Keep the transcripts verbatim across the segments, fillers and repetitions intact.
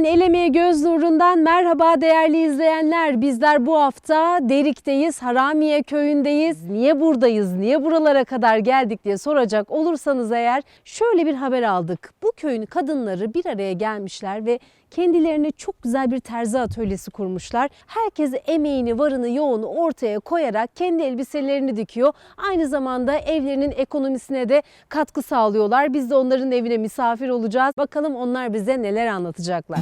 T V'den El Emeği Göz Nurundan merhaba değerli izleyenler. Bizler bu hafta Derik'teyiz, Haramiye köyündeyiz. Niye buradayız, niye buralara kadar geldik diye soracak olursanız eğer şöyle bir haber aldık. Bu köyün kadınları bir araya gelmişler ve kendilerine çok güzel bir terzi atölyesi kurmuşlar. Herkes emeğini, varını, yoğunu ortaya koyarak kendi elbiselerini dikiyor. Aynı zamanda evlerinin ekonomisine de katkı sağlıyorlar. Biz de onların evine misafir olacağız. Bakalım onlar bize neler anlatacaklar.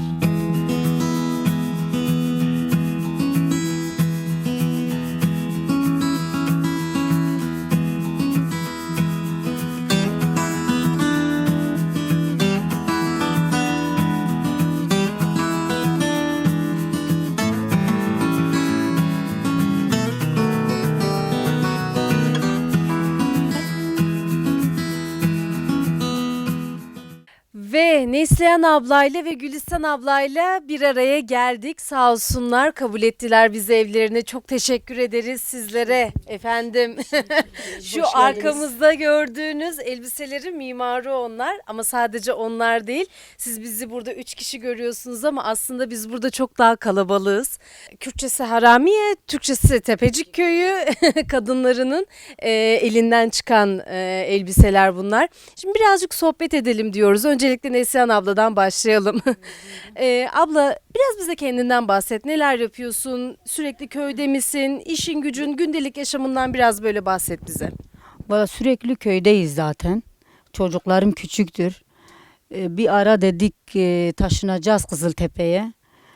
Ve Neslihan ablayla ve Gülistan ablayla bir araya geldik. Sağ olsunlar, kabul ettiler bizi evlerine. Çok teşekkür ederiz sizlere efendim. Şu arkamızda gördüğünüz elbiselerin mimarı onlar ama sadece onlar değil. Siz bizi burada üç kişi görüyorsunuz ama aslında biz burada çok daha kalabalığız. Kürtçesi Haramiye, Türkçesi Tepecik Köyü kadınlarının e, elinden çıkan e, elbiseler bunlar. Şimdi birazcık sohbet edelim diyoruz. Öncelikle Neslihan abladan başlayalım. ee, abla biraz bize kendinden bahset. Neler yapıyorsun? Sürekli köyde misin? İşin gücün, gündelik yaşamından biraz böyle bahset bize. Valla sürekli köydeyiz zaten. Çocuklarım küçüktür. Ee, bir ara dedik e, taşınacağız Kızıltepe'ye.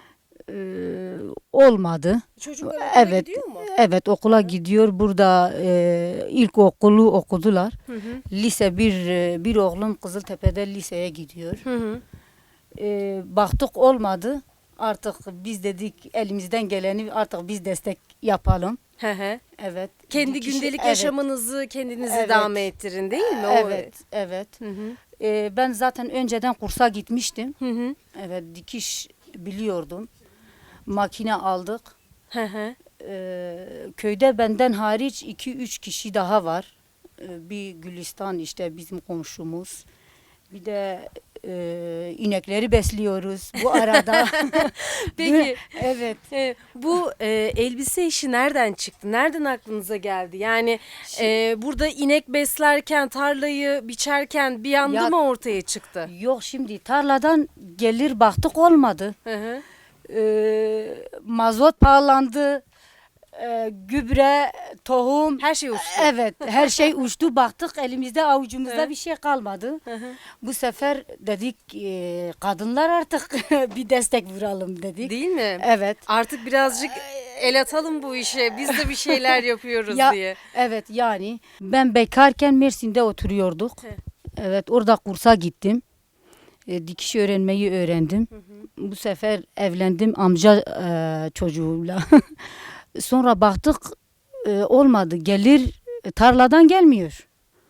Ee, olmadı. Çocuklar okula Evet, gidiyor mu? evet okula gidiyor. Burada e, ilkokulu okudular. Hı hı. Lise bir e, bir oğlum Kızıltepe'de liseye gidiyor. Hı hı. Ee, baktık olmadı. Artık biz dedik elimizden geleni artık biz destek yapalım. Hı hı. Evet. Kendi Bir kişi- gündelik evet, yaşamınızı kendinizi Evet. devam ettirin değil mi? O- Evet, evet. Hı hı. Ee, ben zaten önceden kursa gitmiştim. Hı hı. Evet, dikiş biliyordum. Makine aldık. Hı hı. Ee, köyde benden hariç iki üç kişi daha var. Ee, bir Gülistan işte bizim komşumuz. Bir de e, inekleri besliyoruz bu arada. Peki Evet. e, bu e, elbise işi nereden çıktı? Nereden aklınıza geldi? Yani e, burada inek beslerken, tarlayı biçerken bir anda Ya- mı ortaya çıktı? Yok şimdi tarladan gelir baktık olmadı. Hı hı. Ee, mazot pahalandı. Ee, gübre, tohum. Her şey uçtu. Evet, her şey uçtu. Baktık elimizde avucumuzda Evet. bir şey kalmadı. Hı hı. Bu sefer dedik e, kadınlar artık bir destek vuralım dedik. Değil mi? Evet. Artık birazcık el atalım bu işe. Biz de bir şeyler yapıyoruz Ya, diye. Evet yani ben bekarken Mersin'de oturuyorduk. He. Evet orada kursa gittim. E, dikiş öğrenmeyi öğrendim. Hı hı. Bu sefer evlendim amca e, çocuğuyla. Sonra baktık e, olmadı. Gelir e, tarladan gelmiyor.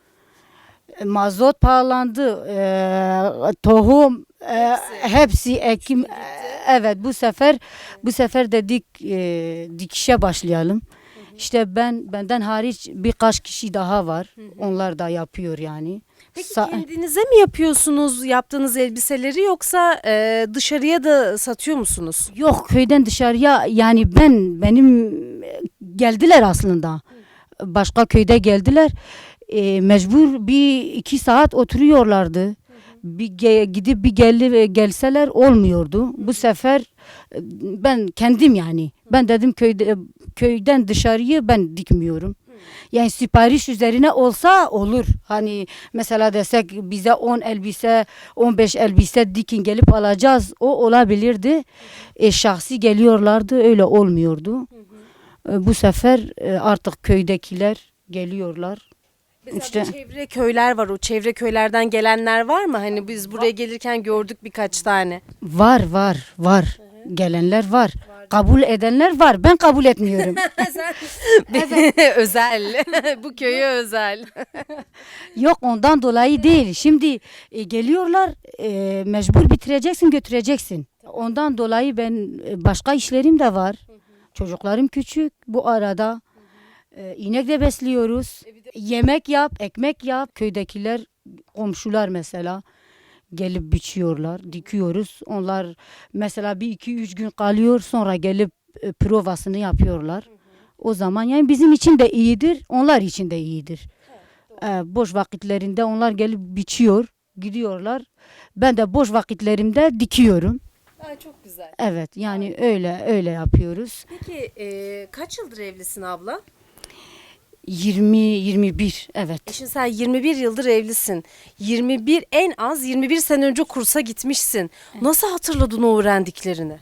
E, mazot pahalandı. E, tohum e, Hepsi. hepsi ekim. E, evet bu sefer bu sefer dedik e, dikişe başlayalım. İşte ben benden hariç birkaç kişi daha var. Onlar da yapıyor yani. Peki Sa- kendinize mi yapıyorsunuz yaptığınız elbiseleri yoksa e, dışarıya da satıyor musunuz? Yok köyden dışarıya yani ben benim e, geldiler aslında. Başka köyde geldiler. E, mecbur bir iki saat oturuyorlardı. Bir ge- gidip bir gel gelseler olmuyordu. Bu sefer e, ben kendim yani ben dedim köyde köyden dışarıyı ben dikmiyorum. Yani sipariş üzerine olsa olur. Hani mesela desek bize on elbise, on beş elbise dikin gelip alacağız. O olabilirdi. E, şahsi geliyorlardı. Öyle olmuyordu. E, bu sefer e, artık köydekiler geliyorlar. Mesela İşte- bu çevre köyler var. O çevre köylerden gelenler var mı? Hani biz buraya gelirken gördük birkaç tane. Var var var. Gelenler var. Kabul edenler var. Ben kabul etmiyorum. Özel. Bu köye özel. Yok ondan dolayı değil. Şimdi e, geliyorlar e, mecbur bitireceksin götüreceksin. Ondan dolayı ben e, başka işlerim de var. Çocuklarım küçük bu arada. E, inek de besliyoruz. Yemek yap, ekmek yap. Köydekiler komşular mesela Gelip biçiyorlar, dikiyoruz. Onlar mesela bir iki üç gün kalıyor, sonra gelip e, provasını yapıyorlar. O zaman yani bizim için de iyidir, onlar için de iyidir. E, boş vakitlerinde onlar gelip biçiyor, gidiyorlar. Ben de boş vakitlerimde dikiyorum. Ay, çok güzel. Evet, yani öyle öyle yapıyoruz. Peki e, kaç yıldır evlisin abla? yirmi yirmi bir, evet. E şimdi sen yirmi bir yıldır evlisin. yirmi bir en az yirmi bir sene önce kursa gitmişsin. Nasıl hatırladın o öğrendiklerini?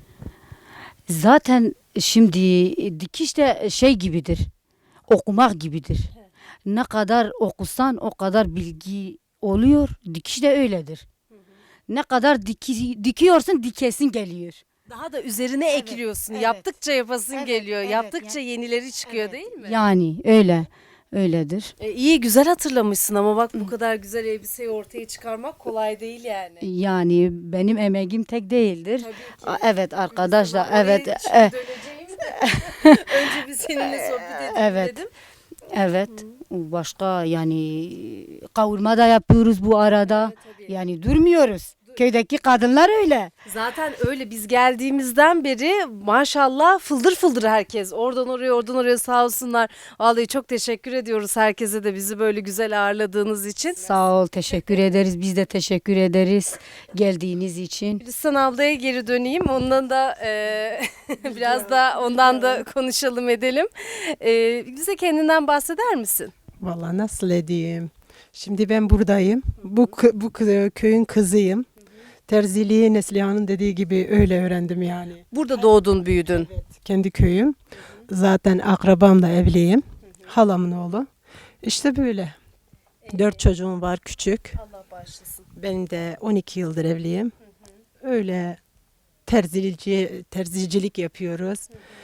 Zaten şimdi dikiş de şey gibidir. Okumak gibidir. Ne kadar okusan o kadar bilgi oluyor. Dikiş de öyledir. Ne kadar diki, dikiyorsun dikesin geliyor. Daha da üzerine ekliyorsun. evet. Yaptıkça yapasın Evet, geliyor. evet, Yaptıkça yani- yenileri çıkıyor değil mi? Yani öyle. Öyledir. E, iyi güzel hatırlamışsın ama bak bu kadar güzel elbiseyi ortaya çıkarmak kolay değil yani. Yani benim emeğim tek değildir. Tabii ki. Aa, Evet arkadaşlar, Oraya evet. şimdi e, döneceğim de. Önce bir seninle sohbet edelim Evet. dedim. Evet. Başka yani kavurma da yapıyoruz bu arada. Evet, tabii. Yani durmuyoruz. Köydeki kadınlar öyle. Zaten öyle biz geldiğimizden beri maşallah fıldır fıldır herkes. Oradan oraya oradan oraya sağ olsunlar. Vallahi çok teşekkür ediyoruz herkese de bizi böyle güzel ağırladığınız için. Sağ ol, teşekkür ederiz. Biz de teşekkür ederiz geldiğiniz için. Gülistan ablaya geri döneyim. Ondan da e, biraz da ondan da konuşalım edelim. E, bize kendinden bahseder misin? Vallahi nasıl edeyim? Şimdi ben buradayım. Bu kı- bu kı- köyün kızıyım. Terziliği Neslihan'ın dediği gibi öyle öğrendim yani. Burada doğdun, büyüdün. Kendi köyüm. Zaten akrabamla evliyim. Halamın oğlu. İşte böyle. Dört çocuğum var küçük. Allah bağışlasın. Ben de on iki yıldır evliyim. Öyle terzilici, terzicilik yapıyoruz.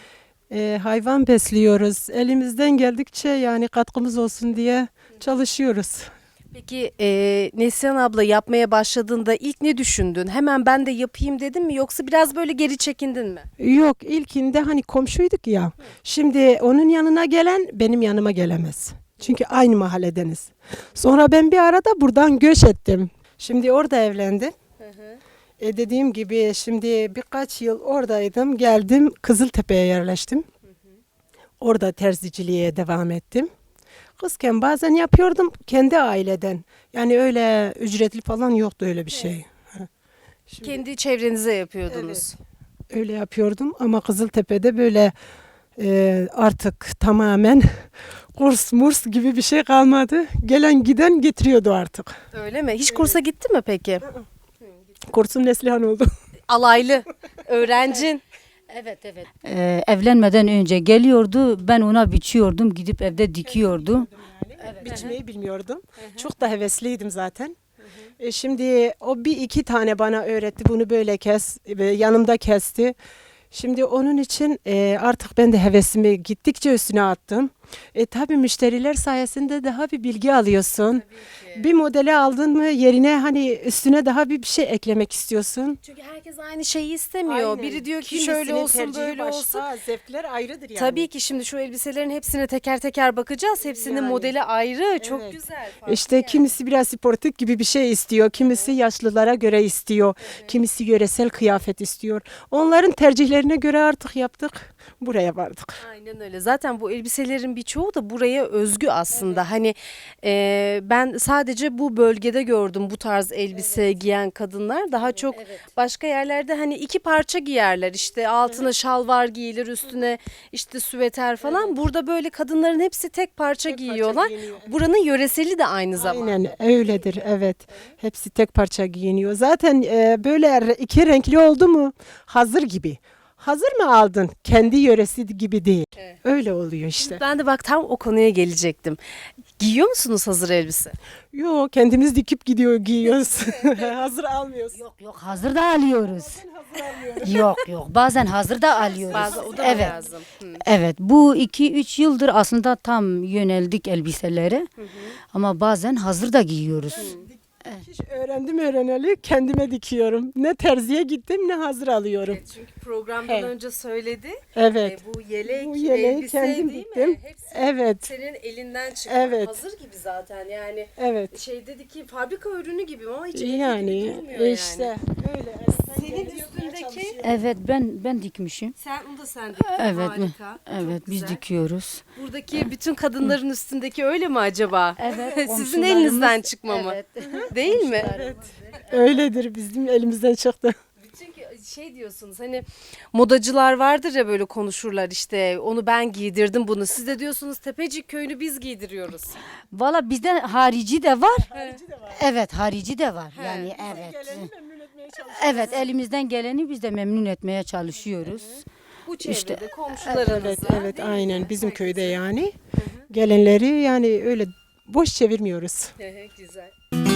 Ee, hayvan besliyoruz. Elimizden geldikçe yani katkımız olsun diye çalışıyoruz. Peki e, Neslihan abla yapmaya başladığında ilk ne düşündün? Hemen ben de yapayım dedin mi yoksa biraz böyle geri çekindin mi? Yok ilkinde hani komşuyduk ya. Şimdi onun yanına gelen benim yanıma gelemez. Çünkü aynı mahalledeniz. Sonra ben bir arada buradan göç ettim. Şimdi orada evlendim. E dediğim gibi şimdi birkaç yıl oradaydım. Geldim Kızıltepe'ye yerleştim. Orada terziciliğe devam ettim. Kızken bazen yapıyordum kendi aileden. Yani öyle ücretli falan yoktu öyle bir şey. Şimdi Kendi çevrenize yapıyordunuz. öyle yapıyordum ama Kızıltepe'de böyle e, artık tamamen kurs murs gibi bir şey kalmadı. Gelen giden getiriyordu artık. Öyle mi? Hiç kursa gittin mi peki? Kursum Neslihan oldu. Alaylı, öğrencin. Evet evet. Ee, evlenmeden önce geliyordu. Ben ona biçiyordum. Gidip evde dikiyordum. Biçmeyi bilmiyordum. Çok da hevesliydim zaten. E şimdi o bir iki tane bana öğretti. Bunu böyle kes. Ve yanımda kesti. Şimdi onun için e, artık ben de hevesimi gittikçe üstüne attım. E tabii müşteriler sayesinde daha bir bilgi alıyorsun. Bir modeli aldın mı yerine hani üstüne daha bir bir şey eklemek istiyorsun. Çünkü herkes aynı şeyi istemiyor. Aynen. Biri diyor ki Kimisinin şöyle olsun tercihi böyle başka, olsun. Zevkler ayrıdır yani. Tabii ki şimdi şu elbiselerin hepsine teker teker bakacağız. Hepsinin Yani. modeli ayrı. Çok Evet. güzel. farklı İşte yani. kimisi biraz sportif gibi bir şey istiyor, kimisi yaşlılara göre istiyor, kimisi yöresel kıyafet istiyor. Onların tercihlerine göre artık yaptık, buraya vardık. Aynen öyle. Zaten bu elbiselerin birçoğu da buraya özgü aslında. Hani e, ben sadece bu bölgede gördüm bu tarz elbise giyen kadınlar. Daha çok başka yerlerde hani iki parça giyerler. İşte altına şalvar giyilir, üstüne işte süveter falan. Burada böyle kadınların hepsi tek parça giyiyorlar. giyiniyor, evet. Buranın yöreseli de aynı zamanda. Aynen öyledir, evet. Hepsi tek parça giyiniyor. Zaten e, böyle re- iki renkli oldu mu hazır gibi. Hazır mı aldın? Kendi yöresi gibi değil. Öyle oluyor işte. Ben de bak tam o konuya gelecektim. Giyiyor musunuz hazır elbise? Yok kendimiz dikip gidiyor giyiyoruz. Hazır almıyoruz. Yok yok hazır da alıyoruz. Yok yok bazen hazır da alıyoruz. Bazı o da evet. lazım. Hı. Evet bu iki üç yıldır aslında tam yöneldik elbiselere. Ama bazen hazır da giyiyoruz. Hiç öğrendim öğreneli kendime dikiyorum. Ne terziye gittim ne hazır alıyorum. Evet, çünkü programdan Evet. önce söyledi. Evet. E, bu yelek, Bu yeleği elbise kendim değil diktim. mi? Hepsi Evet. senin elinden çıkma. Evet. Hazır gibi zaten yani. Evet. Şey dedi ki fabrika ürünü gibi ama hiç elbise gibi Yani durmuyor yani. işte öyle. Senin üstündeki Evet ben ben dikmişim. sen onu da sen diktin. Evet, Harika. Evet Çok biz güzel. dikiyoruz. Buradaki bütün kadınların üstündeki öyle mi acaba? Evet. Sizin elinizden çıkma mı? Değil mi? Öyledir, bizim elimizden çıktı. Çünkü şey diyorsunuz hani modacılar vardır ya böyle konuşurlar işte onu ben giydirdim bunu. Siz de diyorsunuz Tepecik köyünü biz giydiriyoruz. Valla bizde harici de var. Evet harici de var. He. Yani evet. Evet elimizden geleni biz de memnun etmeye çalışıyoruz. Bu çevrede İşte, komşularınızla. Evet, evet değil mi? aynen bizim Herkese. köyde yani. Gelenleri yani öyle boş çevirmiyoruz. Hı hı, güzel.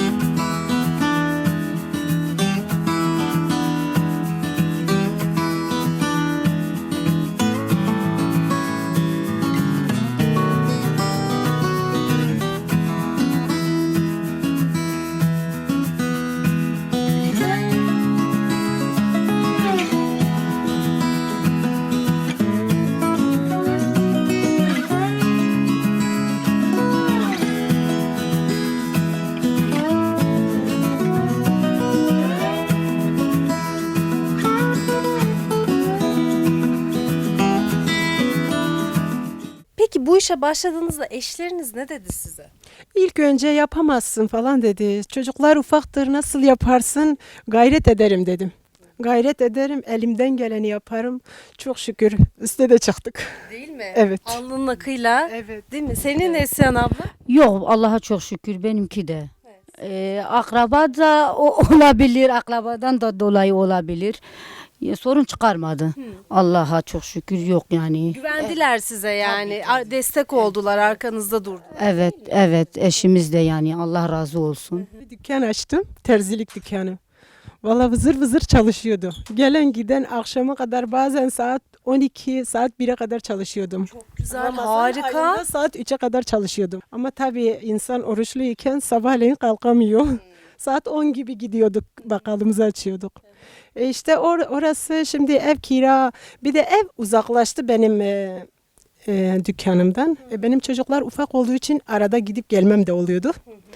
Peki bu işe başladığınızda eşleriniz ne dedi size? İlk önce yapamazsın falan dedi. Çocuklar ufaktır, nasıl yaparsın? Gayret ederim dedim. Gayret ederim, elimden geleni yaparım. Çok şükür üste de çıktık. Değil mi? Evet. Alnının akıyla. Evet. Değil mi? Senin Neslihan abla? Yok Allah'a çok şükür benimki de. Ee, akraba da o, olabilir, akrabadan da dolayı olabilir. Ya, sorun çıkarmadı. Allah'a çok şükür yok yani. Güvendiler size yani. Ar- Destek oldular, arkanızda durdu. Evet, evet eşimiz de yani Allah razı olsun. Bir dükkan açtım, terzilik dükkanı. Vallahi vızır vızır çalışıyordu. Gelen giden akşama kadar bazen saat on iki, saat bire kadar çalışıyordum. Çok güzel, Ramazan harika. ayında saat üçe kadar çalışıyordum. Ama tabii insan oruçluyken sabahleyin kalkamıyor. Saat on gibi gidiyorduk, bakkalımızı açıyorduk. E işte or- orası şimdi ev kira, bir de ev uzaklaştı benim e, e, dükkanımdan. E, benim çocuklar ufak olduğu için arada gidip gelmem de oluyordu.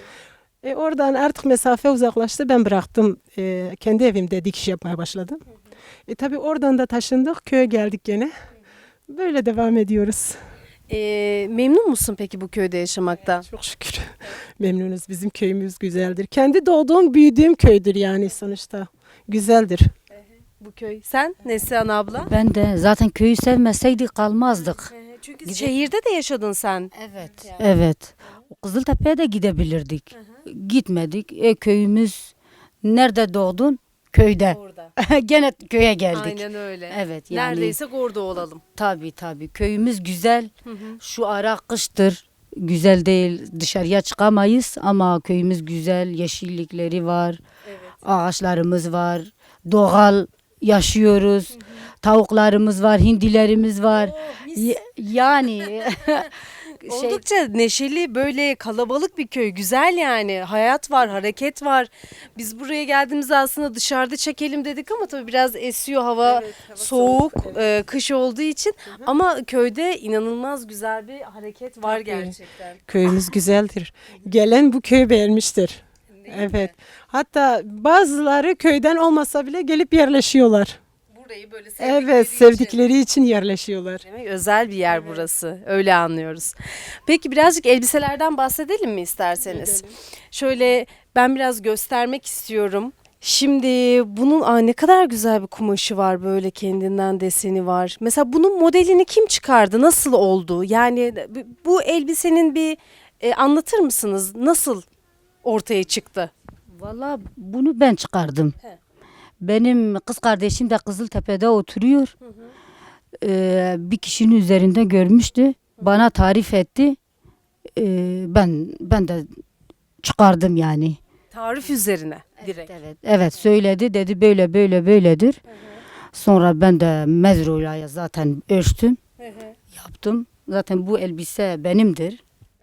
E, oradan artık mesafe uzaklaştı, ben bıraktım. E, kendi evimde dikiş yapmaya başladım. E, tabii oradan da taşındık, köye geldik gene. Böyle devam ediyoruz. Ee, memnun musun peki bu köyde yaşamaktan? Çok şükür. Memnunuz. Bizim köyümüz güzeldir. Kendi doğduğum, büyüdüğüm köydür yani sonuçta. Güzeldir. Bu köy. Sen Neslihan abla? Ben de zaten köyü sevmeseydik kalmazdık. Çünkü şehirde de yaşadın sen. Evet. Evet. Kızıltepe'ye de gidebilirdik. Gitmedik. E, köyümüz nerede doğdun? Köyde. Orada. Gene köye geldik. Aynen öyle. Evet yani. Neredeysek orada olalım. Tabii tabii. Köyümüz güzel. Şu ara kıştır. Güzel değil. Dışarıya çıkamayız ama köyümüz güzel. Yeşillikleri var. Evet. Ağaçlarımız var. Doğal yaşıyoruz. Tavuklarımız var, hindilerimiz var. Oh, mis. Y- yani şey Oldukça neşeli, böyle kalabalık bir köy. Güzel yani. Hayat var, hareket var. Biz buraya geldiğimizde aslında dışarıda çekelim dedik ama tabii biraz esiyor hava, soğuk, e, kış olduğu için. Ama köyde inanılmaz güzel bir hareket var gerçekten. Köyümüz güzeldir. Gelen bu köyü beğenmiştir. Evet. Hatta bazıları köyden olmasa bile gelip yerleşiyorlar. Burayı böyle sevdikleri Evet, için. sevdikleri için yerleşiyorlar. Demek özel bir yer burası. Öyle anlıyoruz. Peki birazcık elbiselerden bahsedelim mi isterseniz? Şöyle ben biraz göstermek istiyorum. Şimdi bunun aa, ne kadar güzel bir kumaşı var, böyle kendinden deseni var. Mesela bunun modelini kim çıkardı? Nasıl oldu? Yani bu- bu elbisenin bir e, anlatır mısınız? Nasıl ortaya çıktı? valla bunu ben çıkardım. He. Benim kız kardeşim de Kızıltepe'de oturuyor. Ee, bir kişinin üzerinde görmüştü. Bana tarif etti. Ee, ben ben de çıkardım yani. Tarif üzerine direkt. Evet, evet söyledi dedi böyle böyle böyledir. Sonra ben de mezroyla zaten ölçtüm, yaptım. Zaten bu elbise benimdir.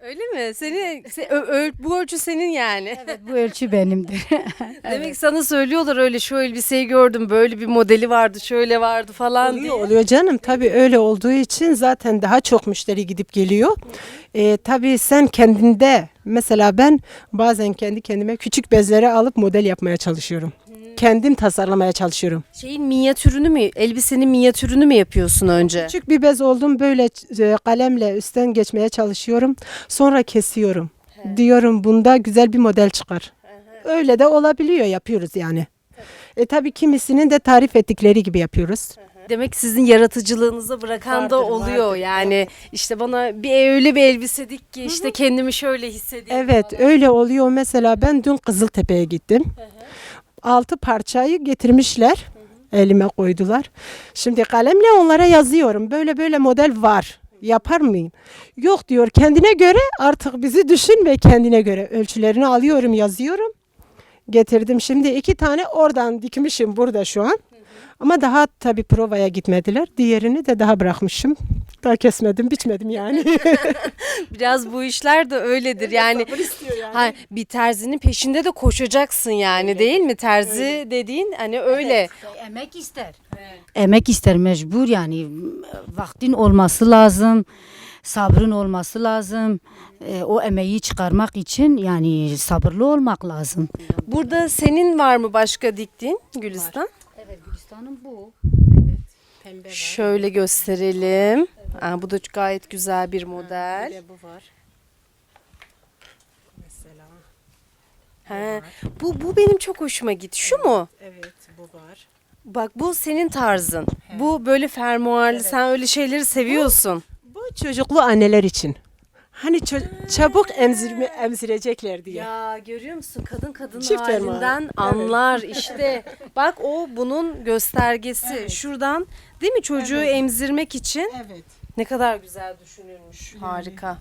Öyle mi? Seni, se- ö- öl- bu ölçü senin yani. Evet, bu ölçü benimdir. Demek sana söylüyorlar öyle şu elbiseyi gördüm böyle bir modeli vardı şöyle vardı falan diye. Oluyor, oluyor canım. Tabii öyle olduğu için zaten daha çok müşteri gidip geliyor. Ee, tabii sen kendinde mesela ben bazen kendi kendime küçük bezleri alıp model yapmaya çalışıyorum. Kendim tasarlamaya çalışıyorum. Şeyin minyatürünü mü elbisenin minyatürünü mü yapıyorsun önce? Küçük bir bez oldum böyle e, kalemle üstten geçmeye çalışıyorum. Sonra kesiyorum. Diyorum bunda güzel bir model çıkar. Öyle de olabiliyor yapıyoruz yani. E tabii kimisinin de tarif ettikleri gibi yapıyoruz. Demek sizin yaratıcılığınıza bırakan da Vardır, oluyor vardır. yani işte bana bir öyle bir elbise dik ki işte kendimi şöyle hissedeyim. Evet öyle oluyor. Mesela ben dün Kızıltepe'ye gittim. Altı parçayı getirmişler. Elime koydular. Şimdi kalemle onlara yazıyorum. Böyle böyle model var. Yapar mıyım? Yok diyor. Kendine göre artık bizi düşün ve kendine göre ölçülerini alıyorum, yazıyorum. Getirdim. Şimdi iki tane oradan dikmişim burada şu an. Ama daha tabii provaya gitmediler. Diğerini de daha bırakmışım. Daha kesmedim, biçmedim yani. Biraz bu işler de öyledir yani. Sabır istiyor yani. Ha, bir terzinin peşinde de koşacaksın yani değil mi? Terzi dediğin hani öyle. Emek ister. Emek ister mecbur yani vaktin olması lazım. Sabrın olması lazım. E, o emeği çıkarmak için yani sabırlı olmak lazım. Burada senin var mı başka diktiğin Gülistan? Evet Gülistan'ın bu. Pembe Şöyle gösterelim. Aa, bu da gayet güzel bir model. bu var. Mesela. He, bu bu benim çok hoşuma gitti. Şu mu? Evet bu var. Bak bu senin tarzın. Bu böyle fermuarlı. Sen öyle şeyleri seviyorsun. Bu çocuklu anneler için. Hani ço- çabuk emzirme, emzirecekler diye. Ya görüyor musun? Kadın kadın Çift fermuar. halinden Evet. anlar işte. Bak o bunun göstergesi. Şuradan değil mi çocuğu emzirmek için Evet. ne kadar güzel düşünülmüş. Harika.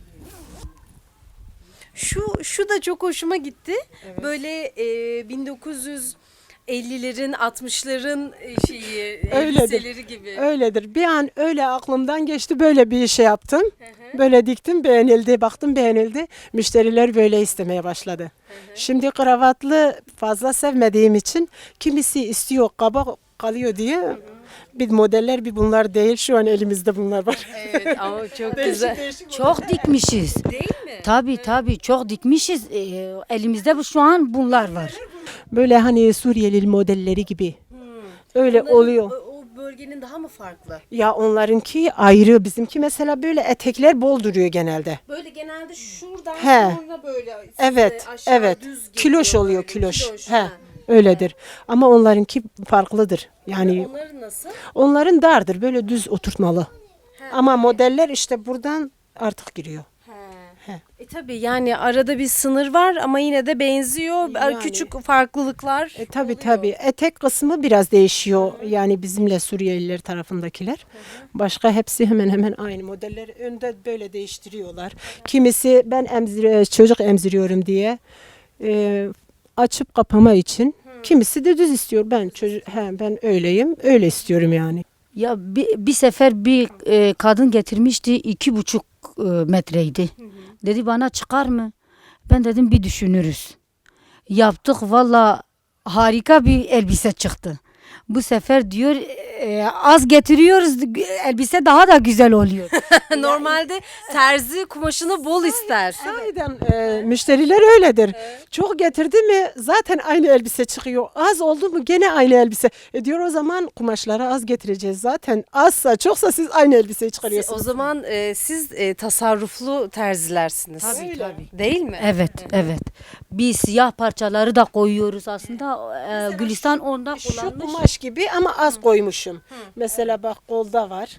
Şu şu da çok hoşuma gitti. Böyle e, bin dokuz yüz ellilerin altmışların e, şeyi elbiseleri gibi. Öyledir. Bir an öyle aklımdan geçti. Böyle bir şey yaptım. Böyle diktim, beğenildi. Baktım beğenildi. Müşteriler böyle istemeye başladı. Şimdi kravatlı fazla sevmediğim için kimisi istiyor kaba kalıyor diye. Bir modeller bir bunlar değil. Şu an elimizde bunlar var. Evet ama çok Değişik güzel. değişik Çok dikmişiz. Değil mi? Tabii tabii çok dikmişiz. E, elimizde bu şu an bunlar var. Böyle hani Suriyeli modelleri gibi. Öyle Onların- oluyor. O, o bölgenin daha mı farklı? Ya onlarınki ayrı. Bizimki mesela böyle etekler bol duruyor genelde. Böyle genelde şuradan He. sonra böyle Evet, size aşağı evet. düz geliyor Kiloş oluyor, böyle. kiloş. He. ha. Öyledir. Ama onlarınki farklıdır. Yani Onların nasıl? onların dardır. Böyle düz oturtmalı. Ama modeller işte buradan artık giriyor. He. He. E tabii yani arada bir sınır var ama yine de benziyor. Yani. Küçük farklılıklar. E, tabii oluyor. tabii. Etek kısmı biraz değişiyor. Yani bizimle Suriyeliler tarafındakiler. Başka hepsi hemen hemen aynı modeller. Önde böyle değiştiriyorlar. Kimisi ben emzire, çocuk emziriyorum diye e, açıp kapama için. Kimisi de düz istiyor. Ben çocuk he, ben öyleyim. Öyle istiyorum yani. Ya bir, bir sefer bir e, kadın getirmişti iki buçuk e, metreydi. Dedi bana çıkar mı? Ben dedim bir düşünürüz. Yaptık valla harika bir elbise çıktı. Bu sefer diyor e, az getiriyoruz elbise daha da güzel oluyor. Normalde terzi kumaşını bol ister. Sahiden e, müşteriler öyledir. Çok getirdi mi zaten aynı elbise çıkıyor. Az oldu mu gene aynı elbise. E diyor o zaman kumaşları az getireceğiz zaten. Azsa çoksa siz aynı elbiseyi O çıkarıyorsunuz. zaman e, siz e, tasarruflu terzilersiniz. Tabii, Öyle. tabii. Değil mi? Evet, evet. Biz siyah parçaları da koyuyoruz aslında. E, Gülistan onda Şu kullanmış. kumaş gibi ama az koymuşum. Mesela bak kolda var.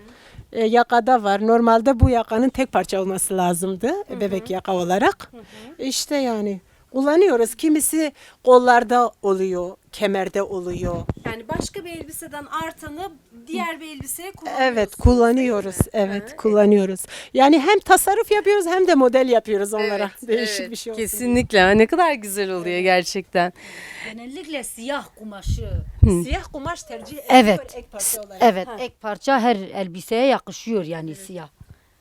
E, yakada var. Normalde bu yakanın tek parça olması lazımdı. e, Bebek yaka olarak. İşte yani kullanıyoruz. Kimisi kollarda oluyor, kemerde oluyor. Yani başka bir elbiseden artanı diğer bir elbiseye kullanıyorsunuz. Evet kullanıyoruz. Evet kullanıyoruz. Yani hem tasarruf yapıyoruz hem de model yapıyoruz onlara. Evet, Değişik evet, bir şey olsun. Kesinlikle. Ha, ne kadar güzel oluyor gerçekten. Genellikle siyah kumaşı. Siyah kumaş tercih ediyor Evet. ek parça olarak. Evet, ek parça her elbiseye yakışıyor yani siyah.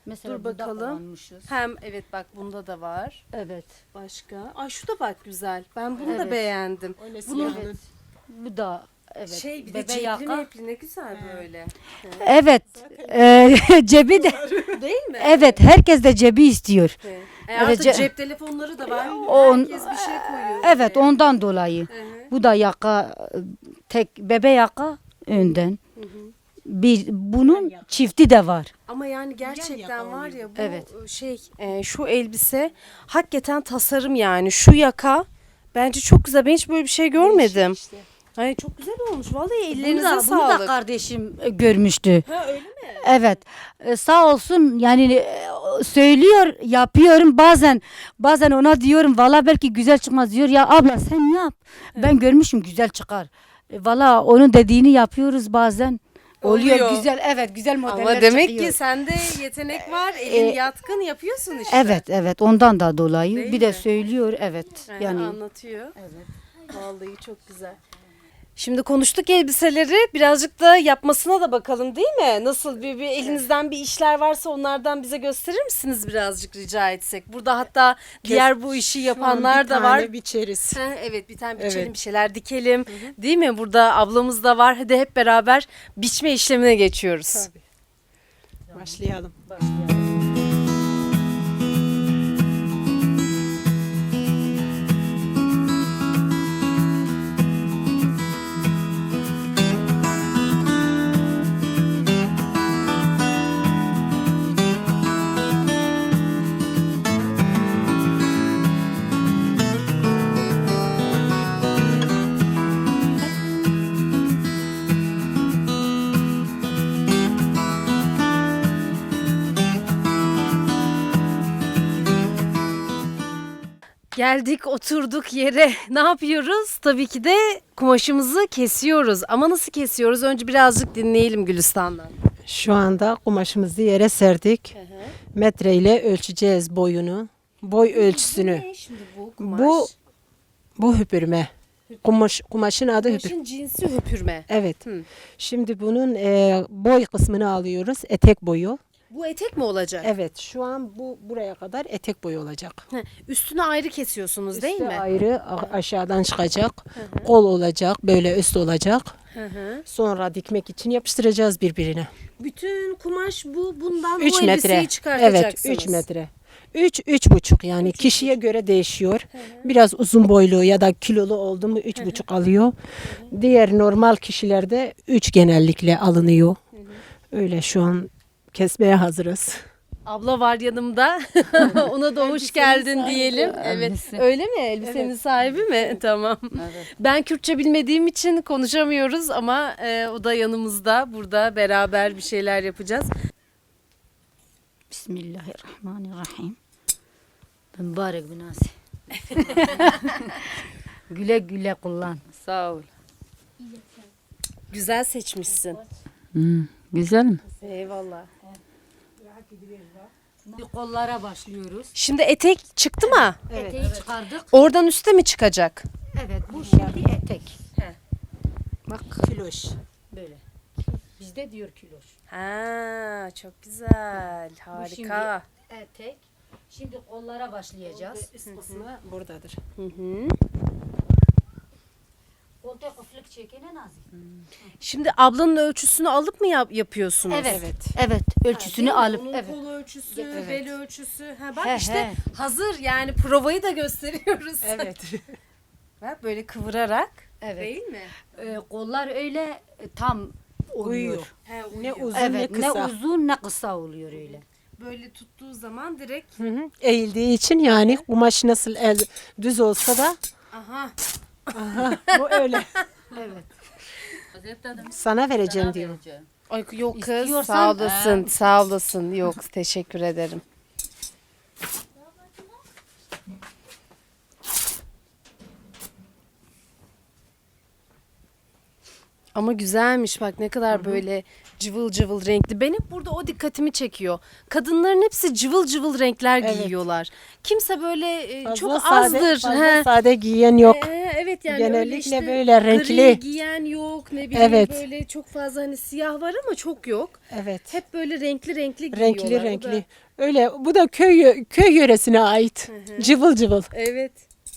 Mesela Dur burada bakalım. kullanmışız. Hem evet bak bunda da var. Evet. Başka. Ay şu da bak güzel. Ben bunu da Evet. beğendim. Bunun Evet. Bu da evet. şey bir de Bebe cepli yaka. mepli ne güzel böyle. Evet. Ee, cebi de Değil mi? evet, herkes de cebi istiyor. Evet. E Evet, artık ce- cep telefonları da var. On- Herkes bir şey koyuyor. Evet, oraya. ondan dolayı. Hı hı. Bu da yaka, tek bebe yaka önden. Bir bunun çifti de var. Ama yani gerçekten var ya bu Evet. şey e, şu elbise hakikaten tasarım yani. Şu yaka bence çok güzel. Ben hiç böyle bir şey görmedim. Ay çok güzel olmuş. Vallahi Bunu ellerinize da, bunu da sağlık. kardeşim e, görmüştü. Ha öyle mi? Evet. E, sağ olsun yani e, söylüyor, yapıyorum. Bazen bazen ona diyorum valla belki güzel çıkmaz, diyor ya abla sen yap. Ben görmüşüm güzel çıkar. E, valla onun dediğini yapıyoruz bazen. Oluyor, Oluyor. güzel, evet, güzel modeller Ama demek çıkıyor. ki sende yetenek var. Elin E, yatkın yapıyorsun işte. Evet, evet, ondan da dolayı. Değil bir de mi? söylüyor, evet. Yani, Yani anlatıyor. Evet. Vallahi çok güzel. Şimdi konuştuk elbiseleri, birazcık da yapmasına da bakalım değil mi? Nasıl bir, bir elinizden bir işler varsa onlardan bize gösterir misiniz birazcık rica etsek? Burada hatta diğer bu işi yapanlar da var. biçeriz. Ha, evet bir tane biçelim Evet. bir şeyler dikelim değil mi? Burada ablamız da var. Hadi hep beraber biçme işlemine geçiyoruz. Tabii. Başlayalım. Geldik oturduk yere. Ne yapıyoruz? Tabii ki de kumaşımızı kesiyoruz. Ama nasıl kesiyoruz? Önce birazcık dinleyelim Gülistan'dan. Şu anda kumaşımızı yere serdik. Metre ile ölçeceğiz boyunu. Boy ölçüsünü. Ne şimdi bu kumaş? Bu bu hüpürme. Kumaş, kumaşın adı hüpür. Kumaşın cinsi hüpürme. Evet. Hı. Şimdi bunun e, boy kısmını alıyoruz. Etek boyu. Bu etek mi olacak? Evet. Şu an bu buraya kadar etek boyu olacak. Heh, üstünü ayrı kesiyorsunuz değil Üstü mi? ayrı a- aşağıdan çıkacak. Kol olacak. Böyle üst olacak. Hı hı. Sonra dikmek için yapıştıracağız birbirine. Bütün kumaş bu bundan üç bu metre. elbiseyi Evet, çıkartacaksınız. üç metre. üç üç buçuk yani kişiye göre değişiyor. Biraz uzun boylu ya da kilolu oldu mu üç buçuk alıyor. Diğer normal kişilerde üç genellikle alınıyor. Öyle şu an kesmeye hazırız. Abla var yanımda. Ona da hoş geldin diyelim. Evet. Elbise. Öyle mi? Elbisenin sahibi mi? Tamam. Ben Kürtçe bilmediğim için konuşamıyoruz ama e, o da yanımızda. Burada beraber bir şeyler yapacağız. Bismillahirrahmanirrahim. Mübarek binası. Güle güle kullan. Sağ ol. Güzel seçmişsin. Hmm, güzel mi? Eyvallah. Kollara başlıyoruz. Şimdi etek çıktı mı? Eteği çıkardık. Oradan üste mi çıkacak? Evet, bu şimdi etek. He. Bak Kiloş. böyle. Bizde diyor kiloş. Ha, çok güzel. Harika. Etek. Şimdi kollara başlayacağız. Üst kısmı buradadır. Hı hı. Kolta kufluk çekene nazik. Şimdi ablanın ölçüsünü alıp mı yap- yapıyorsunuz? Evet. Evet. Evet, ölçüsünü alıp Onun evet. kol ölçüsü, Evet. bel ölçüsü. Ha bak He, işte he. hazır yani provayı da gösteriyoruz. Evet. Bak böyle kıvırarak. Evet. Değil mi? Ee, kollar öyle e, tam Uyuyor. uyuyor. He, Ne uyuyor. uzun Evet, ne ne kısa. uzun ne kısa oluyor öyle. Böyle tuttuğu zaman direkt Hı hı. Eğildiği için yani kumaş nasıl el düz olsa da aha. aha, bu öyle. Evet. Sana vereceğim diyor. Ay yok kız İstiyorsan- sağ olasın sağ olasın yok teşekkür ederim. Ama güzelmiş bak ne kadar böyle Cıvıl cıvıl renkli. Benim burada o dikkatimi çekiyor. Kadınların hepsi cıvıl cıvıl renkler Evet. giyiyorlar. Kimse böyle e, Fazla çok sade, azdır. fazla He. sade giyen yok. Ee, evet yani öyle Genellikle işte böyle gri renkli. giyen yok, ne bileyim Evet. böyle çok fazla hani siyah var ama çok yok. Evet. Hep böyle renkli renkli giyiyorlar. Renkli O da- renkli. Öyle bu da köy köy yöresine ait. Cıvıl cıvıl. Evet.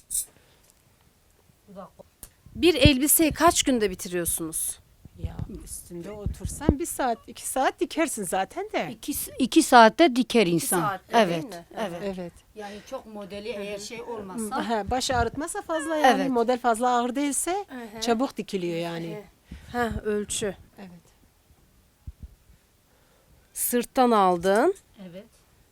Bir elbiseyi kaç günde bitiriyorsunuz? Ya üstünde otursan bir saat iki saat dikersin zaten de. İki, iki saatte diker insan. saatte değil evet, mi? evet. Evet. Yani çok modeli eğer şey olmazsa. Ha, baş ağrıtmasa fazla yani Evet. model fazla ağır değilse Hı hı. çabuk dikiliyor yani. Ha, ölçü. Evet. Sırttan aldın. Evet.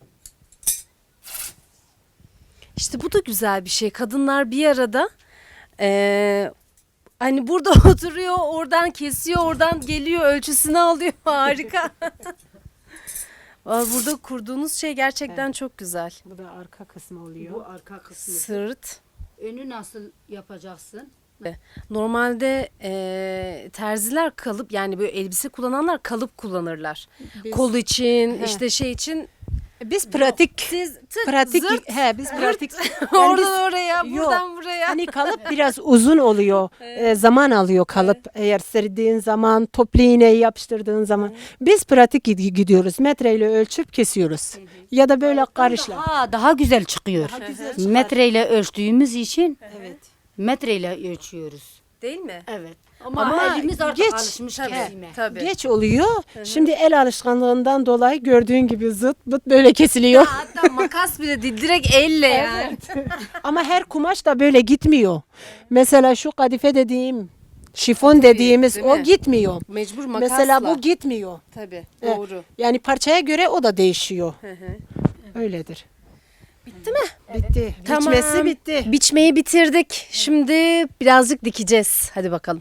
İşte bu da güzel bir şey. Kadınlar bir arada eee, hani burada oturuyor, oradan kesiyor, oradan geliyor, ölçüsünü alıyor. Harika. Vallahi burada kurduğunuz şey gerçekten çok güzel. Bu da arka kısmı oluyor. Bu arka kısmı. Sırt. Önü nasıl yapacaksın? Normalde eee, terziler kalıp yani böyle elbise kullananlar kalıp kullanırlar. Biz- Kol için, He. işte şey için. Biz pratik Siz tık, pratik zırt, he biz pratik yani oradan biz- oraya, Yok. buradan buraya. hani kalıp biraz uzun oluyor. Ee, zaman alıyor kalıp. Eğer serdiğin zaman, toplu iğneyi yapıştırdığın zaman. Biz pratik gid- gidiyoruz. Metreyle ölçüp kesiyoruz. Ya da böyle karışla. Daha, daha güzel çıkıyor. Daha güzel çıkar. Metreyle ölçtüğümüz için Evet. metreyle ölçüyoruz. Değil mi? Evet. Ama, Ama elimiz artık geç. alışmış Tabii, kesime. tabii. Geç oluyor. Şimdi el alışkanlığından dolayı gördüğün gibi zıt bıt böyle kesiliyor. Hatta makas bile değil, direkt elle yani. Ama her kumaş da böyle gitmiyor. Mesela şu kadife dediğim, şifon dediğimiz değil o mi? gitmiyor. Mecbur makasla. Mesela bu gitmiyor. Tabii, Evet. doğru. Yani parçaya göre o da değişiyor. Hı hı. Öyledir. Bitti mi? Bitti. Tamam. Biçmesi bitti. Biçmeyi bitirdik. Şimdi birazcık dikeceğiz. Hadi bakalım.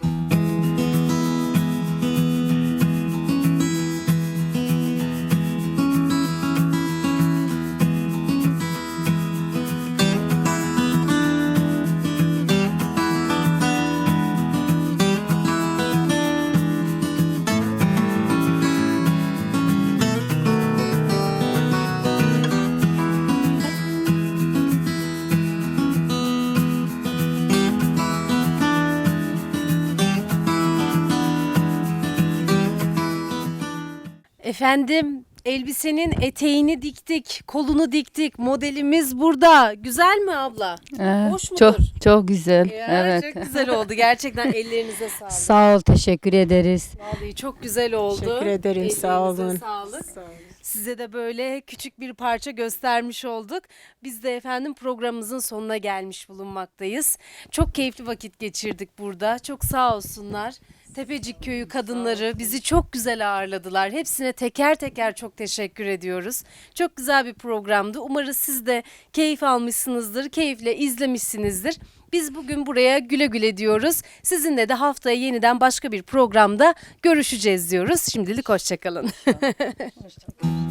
Efendim, elbisenin eteğini diktik, kolunu diktik. Modelimiz burada. Güzel mi abla? Evet, Hoş mudur? çok çok güzel. Ya, evet. Çok güzel oldu. Gerçekten ellerinize sağlık. Sağ ol, teşekkür ederiz. Vallahi çok güzel oldu. Teşekkür ederim, sağ Ellerinize olun. sağlık. Size de böyle küçük bir parça göstermiş olduk. Biz de efendim programımızın sonuna gelmiş bulunmaktayız. Çok keyifli vakit geçirdik burada. Çok sağ olsunlar. Tepecik Köyü kadınları bizi çok güzel ağırladılar. Hepsine teker teker çok teşekkür ediyoruz. Çok güzel bir programdı. Umarız siz de keyif almışsınızdır, keyifle izlemişsinizdir. Biz bugün buraya güle güle diyoruz. Sizinle de haftaya yeniden başka bir programda görüşeceğiz diyoruz. Şimdilik hoşça kalın.